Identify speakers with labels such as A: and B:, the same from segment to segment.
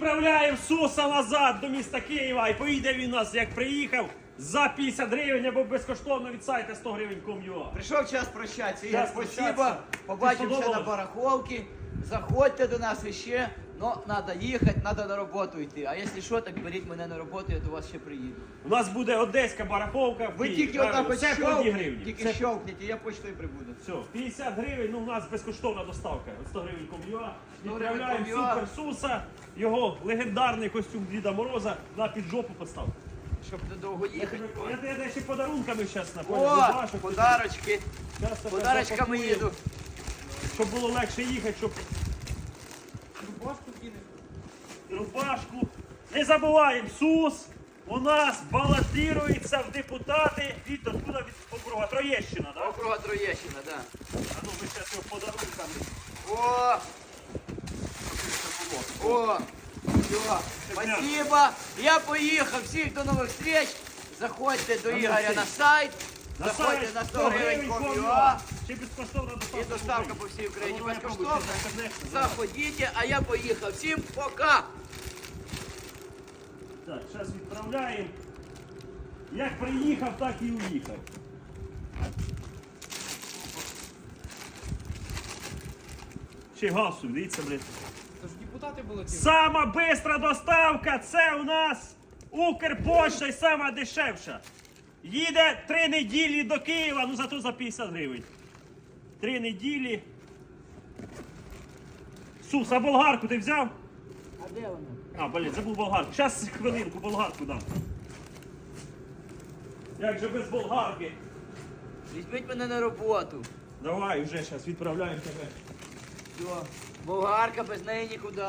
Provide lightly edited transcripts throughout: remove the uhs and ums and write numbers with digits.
A: Відправляємо Суса назад до міста Києва і поїде він у нас, як приїхав, за 50 гривень або безкоштовно від сайту 100 гривень.com.ua.
B: Прийшов час прощатися. Ігор,
A: Час
B: спасибо.
A: прощатися.
B: Побачимося
A: Сподобалось?
B: на барахолці. Заходьте до нас іще. Но треба їхати, треба на роботу йти. А якщо що, так беріть мене на роботу, я до вас ще приїду.
A: У нас буде одеська барахолка в
B: Ви
A: Києві.
B: тільки отак ось
A: Все по 1 гривні.
B: тільки
A: Все-
B: щовкніть, і я почтою прибуду.
A: Все, 50 гривень, ну у нас безкоштовна доставка. 100 гривень.com.ua. Відправляємо
B: гривень.com.ua.
A: Супер Суса, його легендарний костюм Діда Мороза на піджопу поставку.
B: Щоб недовго їхати.
A: Я ще подарунками зараз на
B: О, подарочки. Подарочками їду.
A: Щоб було легше їхати, щоб рубашку. Не забуваємо, Сус у нас балотирується в депутати від откуда від округа Троєщина, так?
B: Округа Троєщина, так.
A: А ну ми зараз його подарунками.
B: О! О! Все. Спасибо. Я поїхав. Всіх до нових встреч. Заходьте до Ігоря на сайт. Заходьте на 100 гривень.com.ua.
A: Ще безкоштовна доставка.
B: І доставка по всій Україні
A: Воно має
B: безкоштовна.
A: бути, це інтернет.
B: Заходіть, а я поїхав. Всім пока!
A: Так, зараз відправляємо. Як приїхав, так і уїхав. Ще гасу, дивіться, блядь.
C: Це ж депутати були ті.
A: Сама бистра доставка, це у нас Укрпошта і сама дешевша. Їде 3 неділі до Києва, ну зато за 50 гривень. 3 неділі. Сус, а болгарку ти взяв?
B: А де вона?
A: А, блін, забув болгарку. Зараз хвилинку болгарку дам. Як же без болгарки?
B: Візьміть мене на роботу.
A: Давай, вже зараз відправляємо тебе.
B: Все. Болгарка без неї нікуди.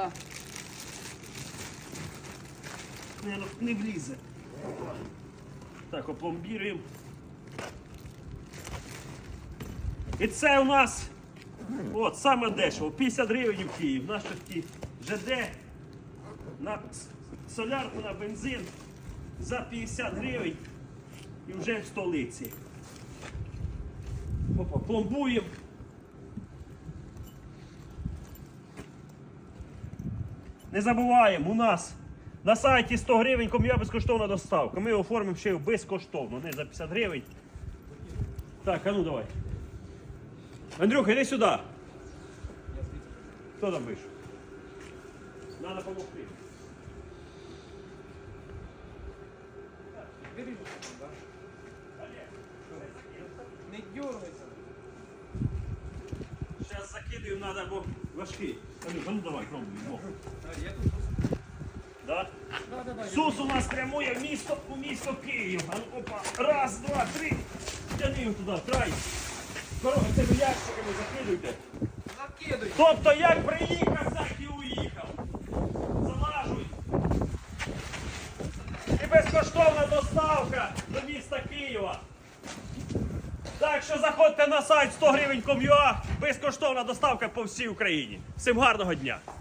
A: Не влізе. Так, опломбіруємо. І це у нас от, саме дешево. 50 гривень в Київ. Наш такий ЖД на солярку, на бензин за 50 гривень і вже в столиці. Опа, пломбуємо. Не забуваємо, у нас на сайті 100 гривень ком'я безкоштовна доставка. Ми його оформимо ще й безкоштовно, не за 50 гривень. Так, а ну давай. Андрюха, йди сюди. Хто там вийшов? Надо допомогти.
C: Виріжеш, так? Не дергайся.
A: Зараз закидуємо, треба, бо важкий. Андрюха, ну давай, пробуй.
C: Я тут.
A: Да?
C: Да.
A: Сус у нас прямує у місто Київ. А ну, опа. Раз, два, три. Тяни його туди, край. Коротше, це ящиками закидуйте.
C: Закидуй.
A: Тобто як приїхав, так і уїхав. Залажуй. І безкоштовна доставка до міста Києва. Так що заходьте на сайт 100 гривень.com.ua. Безкоштовна доставка по всій Україні. Всім гарного дня.